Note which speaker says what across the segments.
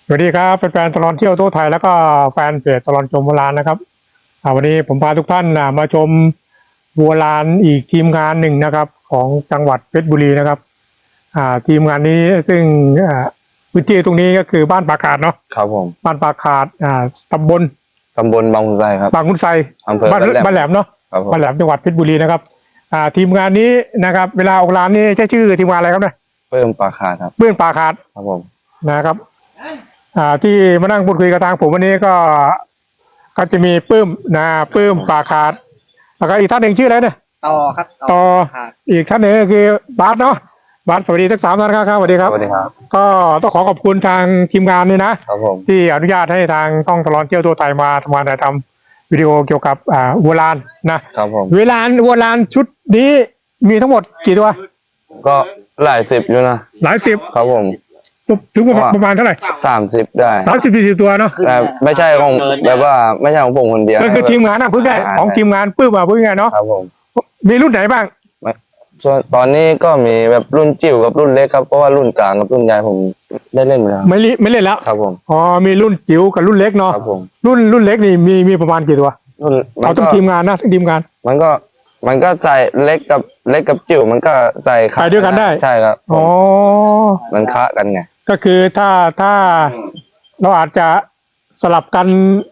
Speaker 1: สวัสดีครับแฟนๆตลอดเที่ยวทั่วไทยแล้วก็แฟนเพจตลอดชมโบราณนะครับวันนี้ผมพาทุกท่านมาชมโบราณอีกทีมงานหนึ่งนะครับของจังหวัดเพชรบุรีนะครับทีมงานนี้ซึ่งพื้นที่ตรงนี้ก็คือบ้านปาขาดเนาะ
Speaker 2: ครับผม
Speaker 1: บ้านปาขาดตำบล
Speaker 2: บางขุนไซครับ
Speaker 1: บางขุนไซ
Speaker 2: อำเภอ
Speaker 1: บ้านแหลมเนาะบ้านแหลมจังหวัดเพชรบุรีนะครับทีมงานนี้นะครับเวลาออกร้านนี่ใช้ชื่อทีมงานอะไรครับเนี่ย
Speaker 2: เพิ่มปลาคาครับ
Speaker 1: เบื้องปาขาด
Speaker 2: ครับผม
Speaker 1: นะครับที่มานั่งพูดคุยกับทางผมวันนี้ก็จะมีปื้มปื้มปาขาดแล้วก็อีกท่านหนึ่งชื่ออะไรเนี่ย
Speaker 3: ต่อครับ
Speaker 1: ต่ออีกท่านหนึ่งก็คือบาสเนาะบาสสวัสดีทั้ง3 ท่านครับสวัสดีครับ
Speaker 2: สวัสดีครับ
Speaker 1: ก็ต้องขอบคุณทางทีมงานนี่นะครับ
Speaker 2: ผม
Speaker 1: ที่อนุญาตให้ทางต้องตลอดเที่ยวทั่วไทยมาทำงานถ่ายทำวิดีโอเกี่ยวกับวัวลานนะครับ
Speaker 2: ผม
Speaker 1: วัวลานชุดนี้มีทั้งหมดกี่ตัว
Speaker 2: ก็หลายสิบอยู่นะ
Speaker 1: หลายสิบ
Speaker 2: ครับผม
Speaker 1: ถึงประมาณเท่าไหร่
Speaker 2: 30ได้
Speaker 1: 30-40ตัวเนาะ
Speaker 2: แต่ไม่ใช่ของแบบว่าไม่ใช่ของผมคนเดียว
Speaker 1: ก็คือทีมงานพึ่งได้ของทีมงานปื้มพึ่งไงเนาะ
Speaker 2: ครับผม
Speaker 1: มีรุ่นไหนบ้าง
Speaker 2: ส่วนตอนนี้ก็มีแบบรุ่นจิ๋วกับรุ่นเล็กครับเพราะว่ารุ่นกลางกับรุ่นใหญ่ผมได้เล่นไปแล้ว
Speaker 1: ไม่เล่นแล้ว
Speaker 2: ครับผม
Speaker 1: มีรุ่นจิ๋วกับรุ่นเล็กเนาะ
Speaker 2: ครับผม
Speaker 1: รุ่นเล็กนี่มีประมาณกี่ตัวเอาทั้งทีมงานนะทั้งทีมงาน
Speaker 2: มันก็ใส่เล็กกับจิ๋วมันก็ใส่
Speaker 1: ขาด้วยกันได้
Speaker 2: ใช่ครับมันคะกันไง
Speaker 1: ก็คือถ้าเราอาจจะสลับกัน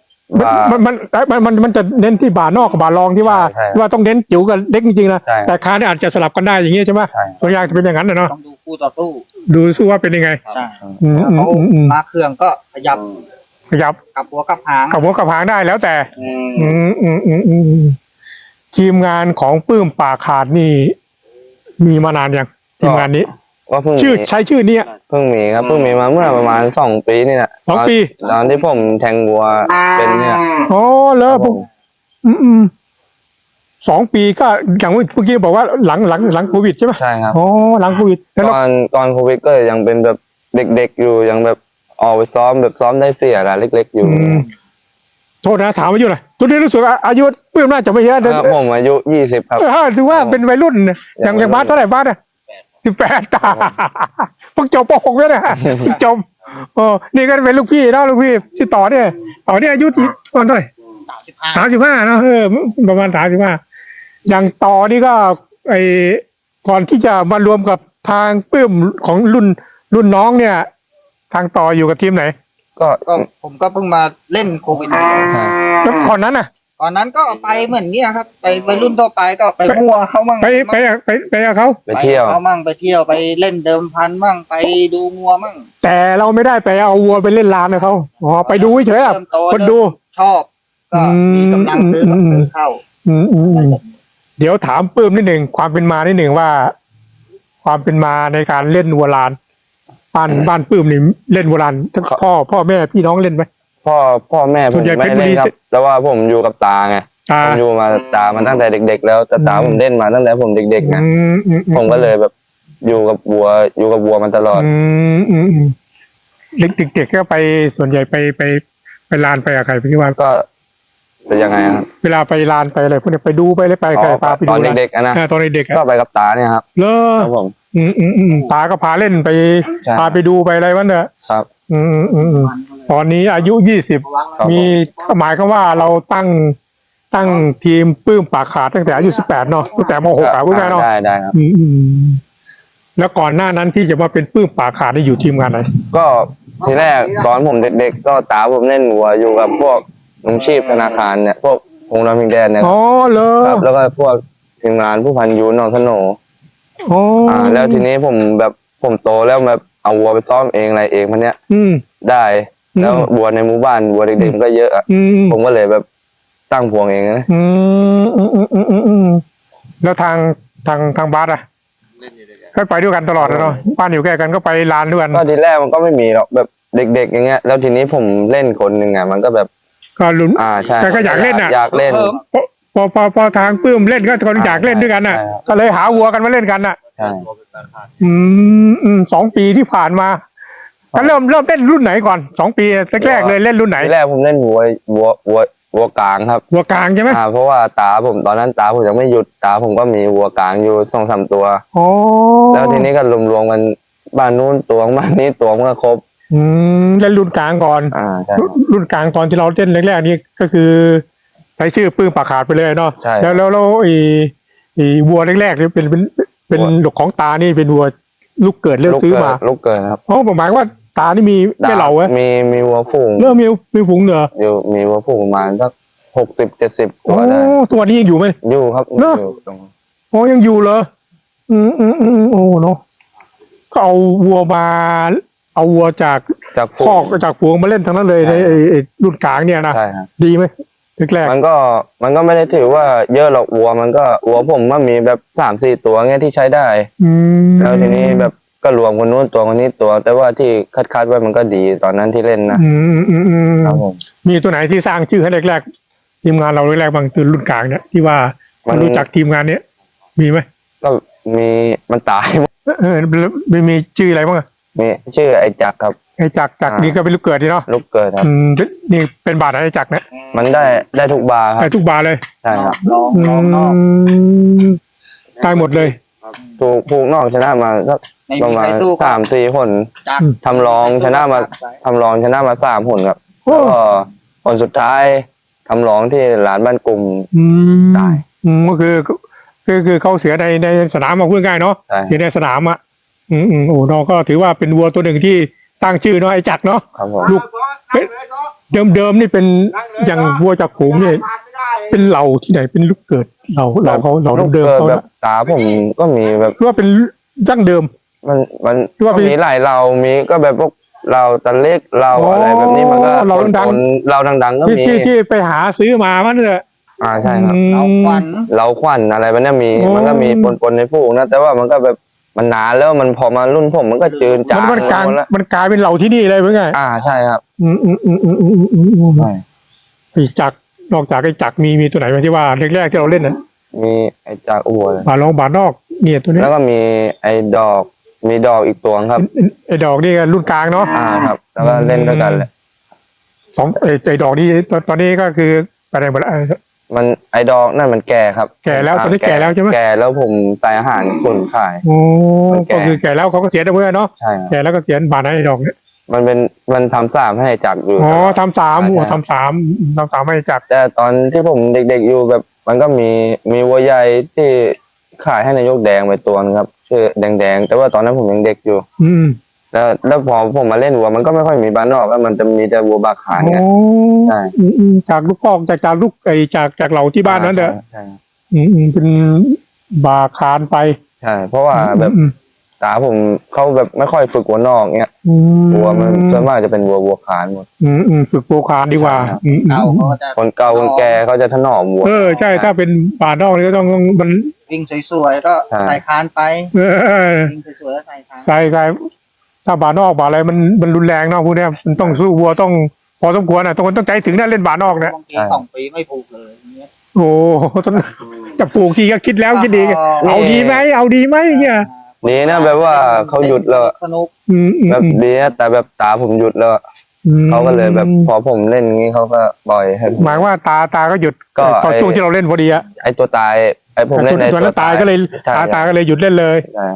Speaker 1: มันจะเน้นที่บ่านอกกับบ่ารองที่ว่าต้องเน้นจิ๋วกับเล็กจริงๆนะแต่คาเนี่ยอาจจะสลับกันได้อย่างนี้ใช่ไหมส่วนใหญ่จะเป็นอย่างนั้นนะเนาะ
Speaker 3: ต้องดูคู่ต่อสู้
Speaker 1: ดูสู้ว่าเป็นยังไง
Speaker 3: เขามาเครื่องก็ขยับกับหัวกับ
Speaker 1: หางได้แล้วแต่ทีมงานของปื้มป่าขาดนี่มีมานานยังทีมงานนี้ใช้ชื่อนี้
Speaker 2: เพิ่งมีครับเพิ่งมีมาเมื่อประมาณ2 ปีนี่แหละ
Speaker 1: 2 ปี
Speaker 2: ตอนที่ผมแทงวัวเป็นเนี่ย
Speaker 1: แล้ว2 ปีก็อย่างเมื่อกี้บอกว่าหลังโควิดใช่ไหม
Speaker 2: ใช่ครับ
Speaker 1: หลังโควิด
Speaker 2: ตอนโควิดก็ยังเป็นแบบเด็กๆอยู่ยังแบบออกไปซ้อมได้เสียอะไรเล็กๆอยู่
Speaker 1: โทษนะถามอายุหน่อยตัวนี้รู้สึกอายุปื้มน่าจะไม่เยอะ
Speaker 2: ผมอายุ20ครับ
Speaker 1: ถือว่าเป็นวัยรุ่นอย่างบ้านเท่าไหร่บ้าน18ตาเพิ่งจบป.6แล้วเนี่ยจบนี่ก็เป็นลูกพี่เนาะลูกพี่ชื่อต่อเนี่ยอายุตอนเท่าไหร่35เนาะประมาณ35อย่างต่อนี่ก็ก่อนที่จะมารวมกับทางปื้มของรุ่นน้องเนี่ยทางต่ออยู่กับทีมไหน
Speaker 3: ก็ผมก็เพิ่งมาเล่นโควิด
Speaker 1: แล้วก่อนนั้น
Speaker 3: ก่อนนั้นก็ไปเหมือนนี้ครับไปรุ่นทั่วไปก็ไปมัวเขามั่ง
Speaker 1: ไปกับเขา
Speaker 2: ไปเที่ยว
Speaker 3: เขามั่งไปเที่ยวไปเล่นเดิมพันมั่งไปดูงัวมั่ง
Speaker 1: แต่เราไม่ได้ไปเอาวัวไปเล่นลานนะเขาไปดูเฉยๆคนดู
Speaker 3: ชอบก็มีกำลังซื้อเข้า
Speaker 1: เดี๋ยวถามปื้มนิดหนึ่งความเป็นมานิดหนึ่งว่าความเป็นมาในการเล่นวัวลานบ้านปื้มนี่เล่นวัวลานทั้งพ่อแม่พี่น้องเล่นไหม
Speaker 2: พ่อแม่ผมไม่เล่นครับแต่ว่าผมอยู่กับตาไงผมอยู่มาตามันตั้งแต่เด็กๆแล้วแต่ตาผมเล่นมาตั้งแต่ผมเด็กๆไงผมก็เลยแบบอยู่กับวัวมันตลอด
Speaker 1: เด็กๆก็ไปส่วนใหญ่ไปลานไปกับใครพี่ว่า
Speaker 2: ก็เป็นยังไงครับ
Speaker 1: เวลาไปลานไปอะไรพวกนี้ไปดูไปเลยไปใครพาไปดู
Speaker 2: ตอนเด็กๆนะ
Speaker 1: ตอนเด็ก
Speaker 2: ก็ไปกับตาเนี่ยครับ
Speaker 1: ครับผมตาก็พาเล่นไปพาไปดูไปอะไรวะเนี่ย
Speaker 2: ครับ
Speaker 1: ตอนนี้อายุ20มีหมายความว่าเราตั้งทีมปื้มปากขาดตั้งแต่อายุ18เนาะตั้งแต่ม.6พูดง่ายเนาะ
Speaker 2: ได้ครับ
Speaker 1: แล้วก่อนหน้านั้นที่จะมาเป็นปื้มปากขาดได้อยู่ทีมงานไหน
Speaker 2: ก็ทีแรกตอนผมเด็กๆก็ตาผมเล่นวัวอยู่กับพวกลุงชีพธนาคารเนี่ยพวกองค์ดำพิงแดนเนี่ย
Speaker 1: เลย
Speaker 2: ครับแล้วก็พวกทีมงานผู้พันยูนน้องสโนแล้วทีนี้ผมโตแล้วแบบเอาวัวไปซ้อมเองอะไรเองพันเนี้ยได้แล้ววัวในหมู่บ้านวัวเด็กๆก็เยอะผมก็เลยแบบตั้งพวงเองนะ
Speaker 1: แล้วทางบาสก็ไปด้วยกันตลอดเนาะบ้านอยู่ใกล้กันก็ไปลานด้วยกัน
Speaker 2: ก็ทีแรกมันก็ไม่มีหรอกแบบเด็กๆอย่างเงี้ยแล้วทีนี้ผมเล่นคนหนึ่งมันก็แบบ
Speaker 1: ก็ลุ้น
Speaker 2: ใช่
Speaker 1: ก็อยากเล่น
Speaker 2: อยากเล่น
Speaker 1: พอทางปื้มเล่นก็คนอยากเล่นด้วยกันก็เลยหาวัวกันมาเล่นกัน
Speaker 2: ใช่
Speaker 1: 2 ปีที่ผ่านมาก็เริ่มเล่นรุ่นไหนก่อน2 ปีแรกเลยเล่นรุ่นไหน
Speaker 2: แรกผมเล่นวัวกลางครับ
Speaker 1: วัวกลางใช่ไหม
Speaker 2: เพราะว่าตาผมตอนนั้นตาผมยังไม่หยุดตาผมก็มีวัวกลางอยู่2-3 ตัวแล้วทีนี้ก็รวมกันบ้านนู้นตัวบ้านนี้ตัวก็ครบ
Speaker 1: เล่นรุ่นกลางก่อน
Speaker 2: ใช่
Speaker 1: รุ่นกลางตอนที่เราเล่นแรกๆนี่ก็คือใช้ชื่อปื้มปากขาดไปเลยเนาะ
Speaker 2: ใช่
Speaker 1: แล้วไอ้วัวแรกๆนี่เป็นหลกของตานี่เป็นวัวลูกเกิดเลือกซื้อมา
Speaker 2: ลูกเกิดครับ
Speaker 1: เพราะหมายว่าตานี่มีแม่เหล่าไว้
Speaker 2: มีวัวฝูง
Speaker 1: เริ่มมีผงเหนือ
Speaker 2: อยู่มีวัวฝูงประมาณสัก60-70 ตัวได้
Speaker 1: ตัวนี้ยังอยู่ไหม
Speaker 2: อยู่ครับ
Speaker 1: เนอะ
Speaker 2: อยู่ตรง
Speaker 1: ยังอยู่เหรอโอ้เนาะก็เอาวัวจาก
Speaker 2: จากฝู
Speaker 1: คอก
Speaker 2: ง
Speaker 1: จากฝูงมาเล่นทั้งนั้นเลย
Speaker 2: ใช่
Speaker 1: ในไอ้รุ่นกลางเนี่ยนะ
Speaker 2: ใช่ครับ
Speaker 1: ดีไหมแรก
Speaker 2: มันก็ไม่ได้ถือว่าเยอะหรอกวัวมันก็วัวผมมันมีแบบ3-4 ตัวเงี้ยที่ใช้ได้
Speaker 1: ๆ
Speaker 2: แล้วทีนี้แบบก็รวมคนนู้นตัวคนนี้ตัว แต่ว่าที่คัดไว้มันก็ดีตอนนั้นที่เล่นนะ ครับผม
Speaker 1: มีตัวไหนที่สร้างชื่อให้แรกๆทีมงานเราแรกๆบางคือรุ่นกลางเนี่ยที่ว่า
Speaker 2: มัน
Speaker 1: รู้จักทีมงานเนี้ยมีไหม
Speaker 2: ก็มีมันตาย
Speaker 1: มีชื่ออะไรบ้างอะ
Speaker 2: มีชื่อไอ้จักรครับ
Speaker 1: ไอ้จักรนี่ก็เป็นลูกเกิดดีเนาะ
Speaker 2: ลูกเกิดครับ
Speaker 1: นี่เป็นบาทไอ้จักรเนี่ย
Speaker 2: มันได้ทุกบาร์ครั
Speaker 1: ไอ้
Speaker 2: บ
Speaker 1: ทุกบาทเลย
Speaker 2: ใช่ครับ
Speaker 3: ลอง
Speaker 1: อื
Speaker 3: นอก
Speaker 1: มได้หมดเลย
Speaker 2: ถูกผูกนอกชนะมาสัก
Speaker 3: ไม่
Speaker 2: ประ
Speaker 3: มี
Speaker 2: มา
Speaker 3: ใคร
Speaker 2: ณ
Speaker 3: สู้กับ
Speaker 2: 3-4 คน
Speaker 3: จัก
Speaker 2: ทำรองชนะมา3 คนครับ
Speaker 1: โอ้
Speaker 2: แล้วก็คนสุดท้ายทำรองที่หลานบ้านกลุ่ม ได้
Speaker 1: ก็คือเขาเสียในสนามมาพูดง่ายเนาะ
Speaker 2: ใช่
Speaker 1: เสียในสนามอ่ะโอ้น้องก็ถือว่าเป็นวัวตัวหนึ่งที่สร้างชื่อเนาะไอ้จักรเนาะ
Speaker 2: ครับผม
Speaker 1: ลูก เดิมนี่เป็นอย่างวัวจากฝูงเนี่ยเป็นเหล่าที่ไหนเป็นลูกเกิดเหล่าเขาเหล่า
Speaker 2: ลูก
Speaker 1: เดิม
Speaker 2: เกิด
Speaker 1: เขา
Speaker 2: แบ
Speaker 1: นะ
Speaker 2: บตาผมก็มีแบบ
Speaker 1: หรือว่าเป็นดั้งเดิม
Speaker 2: มัน
Speaker 1: หรือว่า
Speaker 2: ก็
Speaker 1: เป็น
Speaker 2: มีหลายเรามีก็แบบพวกเราตะเล็กเรา
Speaker 1: อ๋ออ
Speaker 2: อะไรแบบนี้มันก็
Speaker 1: เราดังๆ
Speaker 2: คนเราดังๆก็มี
Speaker 1: ที่ไปหาซื้อมามันเนี่ย
Speaker 2: ใช่ครับ
Speaker 3: เอาควัน
Speaker 2: เราขวัญอะไรแบบเนี้ยมี
Speaker 1: โอ้
Speaker 2: มันก็มีปนในพวกนะแต่ว่ามันก็แบบมันนานแล้วมันพอมารุ่นผมมันก็จืดจาง
Speaker 1: มันกลาง
Speaker 2: หมดแล้ว
Speaker 1: มันกลายเป็นเหล่าที่นี่เลยเป็นไง
Speaker 2: ใช่ครับ ใช่
Speaker 1: ไอ้จักรนอกจากไอ้จักรมีตัวไหนไหมที่ว่าแรกๆที่เราเล่นน่ะ
Speaker 2: มีไอ้จากอัวเลย
Speaker 1: บาลองบาลนอกเนี่ยตัวนี้
Speaker 2: แล้วก็มีไอ้ดอกมีดอกอีกตัวครับ
Speaker 1: ไอ้ดอกนี่ก็รุ่นกลางเนาะ
Speaker 2: ครับ แล้วก็เล่นด้วยกันแหละ
Speaker 1: สองไอ้ดอกนี่ตอนนี้ก็คืออะไรหมดแล้ว
Speaker 2: มันไอ้ดอกนั่นมันแก่ครับ
Speaker 1: แก่แล้วตอนนี้แก่แล้วใช่ไหม
Speaker 2: แก่แล้วผมใส่อาหารคนขาย
Speaker 1: โอ้
Speaker 2: มันแก่
Speaker 1: ก็คือแก่แล้วเขาก็เสียได้เมื่อเนาะ
Speaker 2: ใช่ครับ
Speaker 1: แก่แล้วก็เสียบาทไอ้ดอกเนี่ย
Speaker 2: มันทำ3ให้จักรอยู่
Speaker 1: อ๋อ
Speaker 2: ตลอด
Speaker 1: ทำสาม
Speaker 2: ใช่
Speaker 1: หัวทำสามให้จักร
Speaker 2: แต่ตอนที่ผมเด็กๆอยู่แบบ มันก็มีวัวใหญ่ที่ขายให้นายกแดงไปตัวนึงครับชื่อแดงๆแต่ว่าตอนนั้นผมยังเด็กอยู่ แล้วพอผมมาเล่นวัวมันก็ไม่ค่อยมีบ้านนอกแล้วมันจะมีแต่วัวบาขานไง
Speaker 1: โอ้
Speaker 2: ใช่
Speaker 1: จากลูกกอกจากลูกจากเหล่าที่บ้านนั้นเด้อ
Speaker 2: ใช่ครับ
Speaker 1: เป็นบาคานไป
Speaker 2: ใช่เพราะว่าแบบตาผมเขาแบบไม่ค่อยฝึกวัวนอกเงี้ยวัวมันส่วนมากจะเป็นวัวขานหมด
Speaker 1: ฝึกโปรคานดีกว่า
Speaker 2: ใช่ครับ
Speaker 3: เก่าเขาก็จะ
Speaker 2: คนเก่าคนแก่เขาจะถนอมวัว
Speaker 1: ใช่ถ้าเป็นบานอกนี่ก็ต้องมัน
Speaker 3: วิ่งสวยๆก็
Speaker 2: ใช่
Speaker 3: ใส่คานไป
Speaker 1: เออ
Speaker 3: วิ่งสวยๆก็ใส่คาน
Speaker 1: ใช่ถ้าบานอกบาอะไรมันรุนแรงเนาะพวกเนี้ยมันต้องสู้วัวต้องพอสมควรอ่ะต้องใจถึงนะเล่นบานอกเนี่ย
Speaker 3: บางที2 ปีไม่ผูกเลยอย่างเงี้ย
Speaker 1: โอ้ต้องจะปลูกทีก็คิดแล้วคิดดีเอาดีไหมเงี้ย
Speaker 2: ดีนะแบบว่าเขาหยุดแล้ว
Speaker 3: สนุก
Speaker 2: แบบดีนะแต่แบบตาผมหยุดแล้วเขาก็เลยแบบพอผมเล่นงี้เขาก็ปล่อยให้ผม
Speaker 1: หมายว่าตาก็หยุด
Speaker 2: ก็
Speaker 1: ตอนช่วงที่เราเล่นพอดีอะ
Speaker 2: ไอตัวตายไอผมเล่นไอ
Speaker 1: ส่วน
Speaker 2: ตั
Speaker 1: นั้
Speaker 2: วน
Speaker 1: ตายก็เลย
Speaker 2: ใช่
Speaker 1: ตาก็เลยหยุดเล่นเลย
Speaker 2: ใช่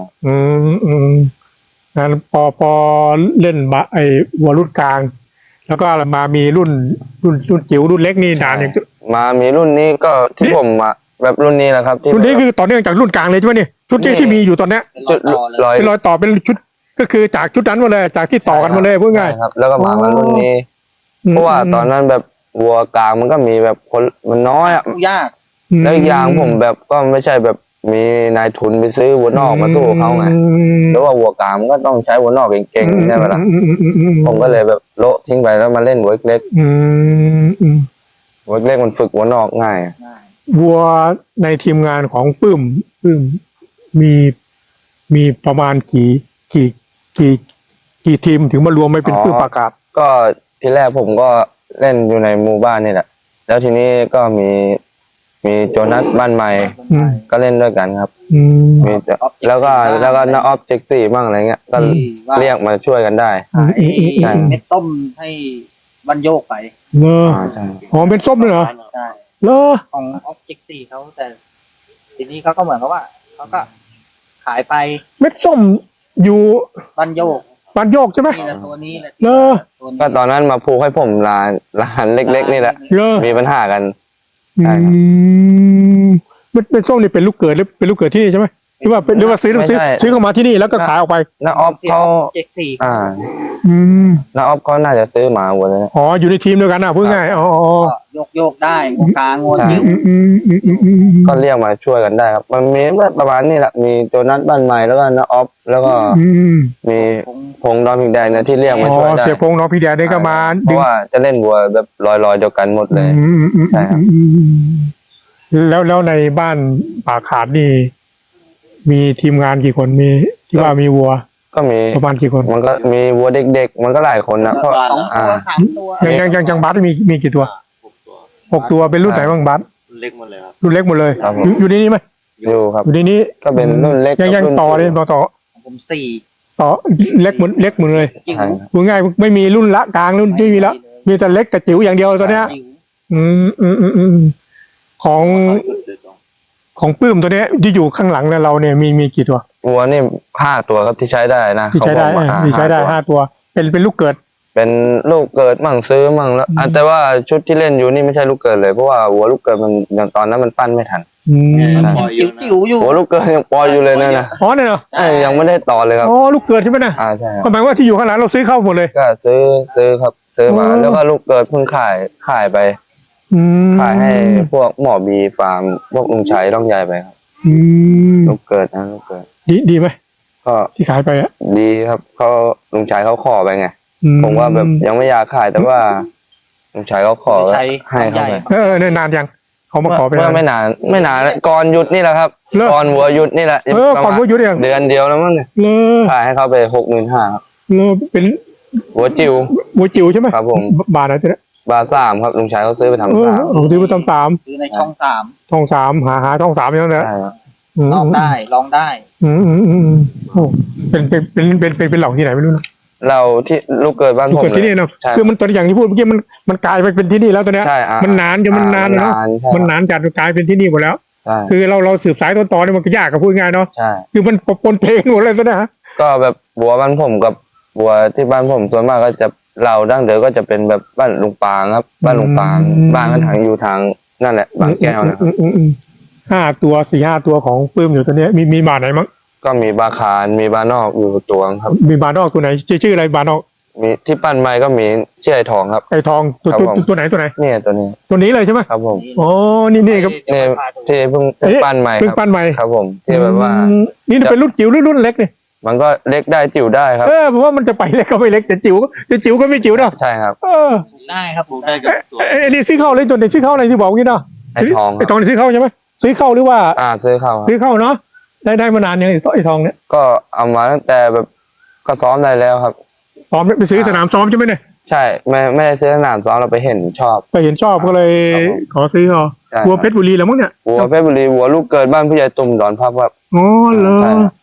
Speaker 1: งั้นพอเล่นไอ้วัวรุ่นกลาง แล้วก็มามีรุ่นจิ๋วรุ่นเล็กนี่นานอย่าง
Speaker 2: มามีรุ่นนี้ก็ที่ผมอะแบบรุ่นนี้แหละครับที่
Speaker 1: รุ่นนี้คือต่อเนื่องจากรุ่นกลางเลยใช่ไหมเนี่ยชุดที่มีอยู่ตอนเนี้ย
Speaker 3: เป็นรอยต่อเลย
Speaker 2: ร้อย
Speaker 1: เป็นรอยต่อเป็นชุดก็คือจากชุดนั้นมาเลยจากที่ต่อกันมาเลยพูดง่าย
Speaker 2: ใช่ครับ แล้วก็มารุ่นนี้ เพราะว่าตอนนั้นแบบวัวกลางมันก็มีแบบคนมันน้อยอะ
Speaker 3: สู้ยาก
Speaker 2: แล้วอีกอย่างผมแบบก็ไม่ใช่แบบมีนายทุนไปซื้อวัวนอกมาสู้เขาไงแล้วว่าวัวกลางมันก็ต้องใช้วัวนอกเก่งๆใช่ไหมล่ะผมก็เลยแบบโละทิ้งไปแล้วมาเล่นวัวเล็กวัวเล็กมันฝึกวัวนอกง่าย
Speaker 3: ง่าย
Speaker 1: วัวในทีมงานของปื้มมีประมาณกี่ทีมถึงมารวมไม่เป็นปื้มประกาศ
Speaker 2: ก็ทีแรกผมก็เล่นอยู่ในหมู่บ้านนี่แหละแล้วทีนี้ก็มีโจนัสบ้านใหม่ ก็เล่นด้วยกันครับมีแล้วก็น้าออฟเจ็กซี่บ้างอะไรเงี้ยก็
Speaker 3: ว่า
Speaker 2: เรียกมาช่วยกันได้
Speaker 3: ขายเม็ดต้มให้บรรโยกไป
Speaker 1: เลอ
Speaker 2: ใช่
Speaker 1: อ๋อเป็นส้มเลยเหรอ
Speaker 3: ใช่
Speaker 1: เลอ
Speaker 3: ของออบเจกตีเขาแต่ทีนี้เขาก็เหมือนกับว่าเขาก็ขายไป
Speaker 1: เม็ดส้มอยู่
Speaker 3: บรรโยก
Speaker 1: บ้านโยกใช่ไหม
Speaker 3: นี่แหละตัวนี้แหละ
Speaker 1: เนอะ
Speaker 3: ตัวนี้
Speaker 2: ก็ตอนนั้นมาผูกให้ผมร้านเล็กๆนี่แหละ
Speaker 1: เลอ
Speaker 2: มีปัญหากัน
Speaker 1: อื
Speaker 2: ใช่ครับ
Speaker 1: มเป็นส้มนี่เป็นลูกเกิดหรือเป็นลูกเกิดที่นี่ใช่ไหมหรือว่าซื้อเข้ามาที่นี่แล้วก็ขายออกไป
Speaker 2: น้าออฟ
Speaker 3: เสีย
Speaker 2: เขา
Speaker 3: เจ็ดสี่
Speaker 2: อ่า
Speaker 1: อืม
Speaker 2: น้าออฟเขาน่าจะซื้อหมาวัวเลยนะ
Speaker 1: อ๋ออยู่ในทีมเดียวกันนะพูดง่ายอ๋อ
Speaker 3: ก็โยกได้หัวกลางงว
Speaker 2: ใช่
Speaker 3: จิ้ว
Speaker 2: ก็เรียกมาช่วยกันได้ครับ มันมีประมาณนี้แหละมีโจนัสบ้านใหม่แล้วก็น้าออฟแล้วก็มีพงษ์ดอนพิงแดงเนี่ยที่เรียก
Speaker 1: อ๋
Speaker 2: มาช่วย
Speaker 1: อ
Speaker 2: ได้
Speaker 1: เสียพงษ์น้องพี่แดนได้ก็มา
Speaker 2: เพราะว่าจะเล่นวัวแบบลอยๆเดียวกันหมดเลย ใช่ครับ
Speaker 1: แล้วในบ้านป่าขาดนี่ มีทีมงานกี่คนมีที่ว่ามีวัว
Speaker 2: ก็มี
Speaker 1: ประมาณกี่คน
Speaker 2: มันก็มีวัวเด็กๆ มันก็หลายคนนะเพราะ
Speaker 3: สองตัวสามตัว
Speaker 1: ยังบัสมีกี่ตัว6 ตัวเป็นรุ่นไหนบ้างบัส
Speaker 4: เล็กหมดเลยครับ
Speaker 1: รุ่นเล็กหมดเลย
Speaker 2: ครับผม
Speaker 1: อยู่ในนี้ไหม
Speaker 2: อยู่ครับ
Speaker 1: อยู่ในนี้
Speaker 2: ก็เป็นรุ่นเล็ก
Speaker 1: ยัง
Speaker 2: กับรุ่น
Speaker 1: ต่อเลย
Speaker 2: จิ๋ว
Speaker 1: ต่อ
Speaker 3: ผมสี่
Speaker 1: ต่อเล็กหมดเลย
Speaker 3: จิ๋ว
Speaker 2: ใช่
Speaker 1: พูดง่ายไม่มีรุ่นละกลางรุ่นไม่มีแล้วมีแต่เล็กกับจิ๋วอย่างเดียวตอนเนี้ย
Speaker 3: จิ๋ว
Speaker 1: อืมของปื้มตัวเนี้ยที่อยู่ข้างหลังเนี่ยเราเนี่ยมีกี่ตัว
Speaker 2: วัวนี่5 ตัวครับที่ใช้ได้นะ
Speaker 1: ที่ใช้ได้
Speaker 2: เขาบอกมา
Speaker 1: ที่ใช้ได้
Speaker 2: 5
Speaker 1: 5 ตัว เป็นลูกเกิด
Speaker 2: เป็นลูกเกิดมั่งซื้อมั่งแล้ว
Speaker 1: อืม
Speaker 2: แต่ว่าชุดที่เล่นอยู่นี่ไม่ใช่ลูกเกิดเลยเพราะว่าวัวลูกเกิดมันอย่างตอนนั้นมันปั้นไม่ทัน
Speaker 1: อืม
Speaker 3: จิ๋วอยู่
Speaker 2: วัวลูกเกิดยังปล่อยอยู่เลยนะ
Speaker 1: อ๋อเนี่ยเหรอ
Speaker 2: ยังไม่ได้ต่อเลยครับ
Speaker 1: อ๋อลูกเกิดใช่ไหมนะ
Speaker 2: ใช่ครับ
Speaker 1: ก็หมายว่าที่อยู่ข้างหลังเราซื้อเข้าหมดเลย
Speaker 2: ก็ซื้อครับซื้อมา
Speaker 1: อ๋อ
Speaker 2: แล้วก็ลูกเกิดเพิ่งขายไป
Speaker 1: อืม
Speaker 2: ขายให้พวกหมอบีฟาร์มพวกลุงชัยต้องใหญ่ไปครับ
Speaker 1: อืม
Speaker 2: ลูกเกิดนะลูกเกิด
Speaker 1: ดีไหม
Speaker 2: ก็
Speaker 1: ที่ขายไปอ่ะ
Speaker 2: ดีครับเขาลุงชัยเขาขอไปไง
Speaker 1: อื
Speaker 2: ผมว่าแบบยังไม่อยากขายแต่ว่าลุงชัยเขาขอก็ให้เขาไป
Speaker 1: เนี่ยนานยังเขามาขอไป
Speaker 2: เมื่อไม่นานก่อนหยุดนี่แหละครับ
Speaker 1: เลิก
Speaker 2: ก่อนวัวหยุดนี่แหละ
Speaker 1: ก่อนวัวหยุดยัง
Speaker 2: เดือนเดียวแล้วมั้งเนี่ย
Speaker 1: เลอ
Speaker 2: ขายให้เขาไป65,000ครับ
Speaker 1: เป็น
Speaker 2: วัวจิ๋ว
Speaker 1: วัวจิ๋วใช่ไหม
Speaker 2: ครับผม
Speaker 1: บาทนะจ๊ะ
Speaker 2: บา3ครับลุงชัยเขาซื้อไปทำ
Speaker 1: เออ
Speaker 2: 3
Speaker 1: ผมซื้อไปทำ3
Speaker 3: ซื้อในช่องสาม
Speaker 1: ทอง3หาทอง3อย่างนั้นแหละ
Speaker 2: ใช่ครับ
Speaker 3: ลองได้ลองได้
Speaker 1: โอ้เป็นเหล่าที่ไหนไม่รู้นะ
Speaker 2: เราที่ลูกเกิดบ้านผม
Speaker 1: เกิดที่นี่เนาะ
Speaker 2: ใช่
Speaker 1: คือมันตัวอย่างที่พูดเมื่อกี้มันกลายไปเป็นที่นี่แล้วตอนเนี้ย
Speaker 2: ใช่
Speaker 1: มันนานจนมันนานเลยเนาะ
Speaker 2: ใช่
Speaker 1: มันนานจัดกลายเป็นที่นี่หมดแล้ว
Speaker 2: ใช่
Speaker 1: คือเราสืบสายต้นตอเนี่ยมันก็ยากกับพูดง่ายเนาะ
Speaker 2: ใช่
Speaker 1: คือมันปนเพลงหมดเลยซะนะ
Speaker 2: ก็แบบบัวบ้านผมกับบัวที่บ้านผมส่วนมากก็จะเราดั้งเดิมก็จะเป็นแบบบ้านลุงปางครับ บ้านลุงปางบ้านกันทางอยู่ทางนั่นแหละบางแก้วนะครับ
Speaker 1: 5 ตัว 4-5 ตัวของปื้มอยู่ตัวเนี้ยมีบาทไหนมั้ง
Speaker 2: ก็มีบาคารมีบานอกอยู่ตัวครับ
Speaker 1: มีบาทนอกตัวไหนชื่ออะไรบาทนอก
Speaker 2: มีที่ปั้นไม้ก็มีเชื่อไอ้ทองครับ
Speaker 1: ไอ้ทองตัว
Speaker 2: ครับผม
Speaker 1: ตัวไหน
Speaker 2: เนี่ยตัวนี้
Speaker 1: ตัวนี้เลยใช่ไหม
Speaker 2: ครับผม
Speaker 1: อ๋อนี่ครับ
Speaker 2: เนี่ยที่เพิ่งปั้นใหม่
Speaker 1: เพิ่ง
Speaker 2: ครับ
Speaker 1: ปั้นใหม่
Speaker 2: ครับผมที่แบบว่า
Speaker 1: นี่เป็นรุ่นจิ๋วหรือรุ่นเล็กเนี่ย
Speaker 2: มันก็เล็กได้จิ๋วได้ครับ
Speaker 1: เพราะว่ามันจะไปเล็กก็ไม่เล็กแต่จิ๋วก็ไม่จิ๋วเนาะ
Speaker 2: ใช่ครับ
Speaker 3: ได้ครับ
Speaker 4: ปลูกได้กับตัว
Speaker 1: ไอ้นี่ซื้อเข้าเลยตัวไหนซื้อเข้าอะไรที่บอกงี้เนาะ
Speaker 2: ไอ้ทองค
Speaker 1: ไอ้
Speaker 2: รับ
Speaker 1: ทองนี่ซื้อเข้าใช่ไหมซื้อเข้าหรือว่า
Speaker 2: ซื้อเข้าครับ
Speaker 1: ซื้อเข้าเนาะได้มานานยังไอ้ทองเนี่ย
Speaker 2: ก็เอามาตั้งแต่แบบก็ซ้อมได้แล้วครับ
Speaker 1: ซ้อมไปซื้อสนามซ้อมใช่ไหมเนี่ย
Speaker 2: ใช่ไม่ได้ซื้อสนามซ้อมเราไปเห็นชอบ
Speaker 1: ไปเห็นชอบก็เลย
Speaker 2: ครับผม
Speaker 1: ขอซื้อเขา
Speaker 2: ใช่
Speaker 1: วัวเพชรบุรีแล้วมั้งเนี่ย
Speaker 2: วัวเพชรบุรีวัวลูกเกิดบ้านผู้ใหญ่ตุ่มดอนภาพครับ
Speaker 1: อ๋อเหรอ
Speaker 2: ใช่ครับ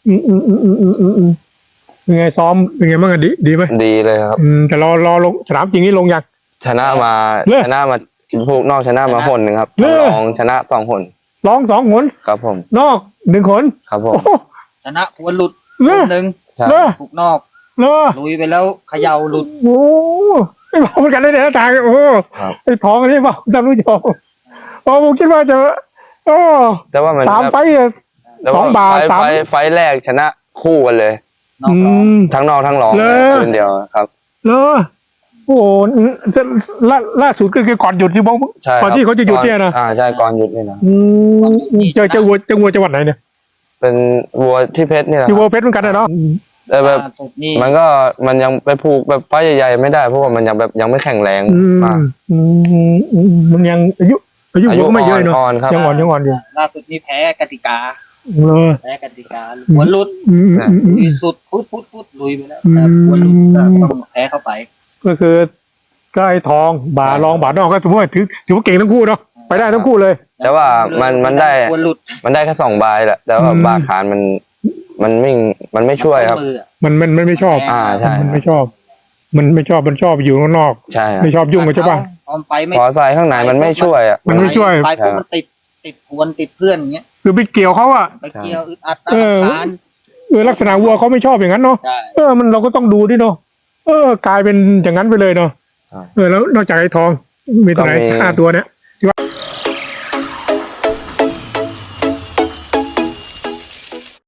Speaker 1: เป็นไงซ้อมเป็นไงบ้างอะดีไหม
Speaker 2: ดีเลยครับ
Speaker 1: แต่รอลงสนามจริงนี่ลงยัง
Speaker 2: ชนะมา
Speaker 1: เลิก
Speaker 2: ชนะมาผูกนอกชนะมาหนหนึ่งครับ
Speaker 1: เลิก
Speaker 2: รองชนะ2 หน
Speaker 1: ร้อง2 หน
Speaker 2: ครับผม
Speaker 1: นอก1 หน
Speaker 2: ครับผม
Speaker 1: โอ้โห
Speaker 3: ชนะหัวหลุด
Speaker 1: เลิ
Speaker 3: ค
Speaker 1: ก
Speaker 3: นหนึ่ง
Speaker 2: ใช่
Speaker 1: เลิก
Speaker 3: ถูกนอก
Speaker 1: เลิก
Speaker 3: ลุยไปแล้วเขย่าหลุด
Speaker 1: โอ้ไม่บอกเหมือนกันเลยเนี่ยตายโอ้
Speaker 2: ครับ
Speaker 1: ไอ้ทองอันนี้บอกท่านผู้ชมโอ้ผมคิดว่าจะโอ้
Speaker 2: แต่ว่ามัน
Speaker 1: 3 ไฟต์อะ
Speaker 2: แต่ว่
Speaker 1: สองบาท
Speaker 2: ไฟ
Speaker 1: สาม
Speaker 2: ไฟแรกชนะคู่กันเลย
Speaker 3: นอกรอบ
Speaker 2: ทั้งนอกทั้งรอง
Speaker 1: เลิก
Speaker 2: คืนเดียวครับ
Speaker 1: เลอโอ้โหล่าสุดก็คือก่อนหยุดที่บ้อง
Speaker 2: ใช่ครับ
Speaker 1: ก่อนที่เขาจะหยุดเนี่ยนะ
Speaker 2: ใช่ก่อนหยุดนี่นะ
Speaker 1: เจอวัวจังหวัดไหนเนี่ย
Speaker 2: เป็นวัวที่เพชรนี่แหละ
Speaker 1: ที่วัวเพชรเหมือนกันนะเนาะ
Speaker 2: แต่แบบ
Speaker 3: ล่าสุดนี่
Speaker 2: มันยังไปผูกแบบไฟใหญ่ๆไม่ได้เพราะว่ามันยังแบบยังไม่แข็งแรงมาก
Speaker 1: มันยังอายุวัวก็ไม่เยอะเนาะ
Speaker 2: อ่อนๆครับ
Speaker 1: ยังอ่อนอยู่
Speaker 3: ล่าสุดนี่แพ้กติกา
Speaker 1: เลอ
Speaker 3: แพ้กติกาหัวหลุดลุยสุดพุดลุยไปแล้วแต่หัวหลุดก็ต้องแพ้เข้าไป
Speaker 1: ก็คือก็ไอ้ทองบารองบานอกก็ถือว่าเก่งทั้งคู่เนาะไปได้ทั้งคู่เลย
Speaker 2: แต่ว่ามันได้
Speaker 3: หัวหลุด
Speaker 2: มันได้แค่2 ใบแหละแต่ว่าบาคารมันไม่ช่วยครับ
Speaker 3: มืออะ
Speaker 1: มันไม่ชอบ
Speaker 2: ใช่
Speaker 1: มันไม่ชอบ มันชอบอยู่ข้างนอก
Speaker 2: ใช่ครับ
Speaker 1: ไม่ชอบยุ่งกับเจ้าบ้าน
Speaker 3: พอไปไม่
Speaker 2: พอใส่ข้างในมันไม่ช่วยอ่ะ
Speaker 1: มันไม่ช่วย
Speaker 3: ไปปุ๊บมันติดกวนติดเพื่อนอย่างเงี้ย
Speaker 1: คือไปเกี่ยวเขาอะ
Speaker 3: ไปเกี่ยวอึดอัด
Speaker 1: เออ
Speaker 3: ตาม
Speaker 1: ลักษณะวัวเขาไม่ชอบอย่างนั้นเนาะ
Speaker 3: ใช่
Speaker 1: มันเราก็ต้องดูด้วยเนาะกลายเป็นอย่างนั้นไปเลยเนาะแล้วนอกจากไอ้ทองมีตัวไหน
Speaker 2: ก็มี
Speaker 1: 5 ตัวเนี่ยที่ว่า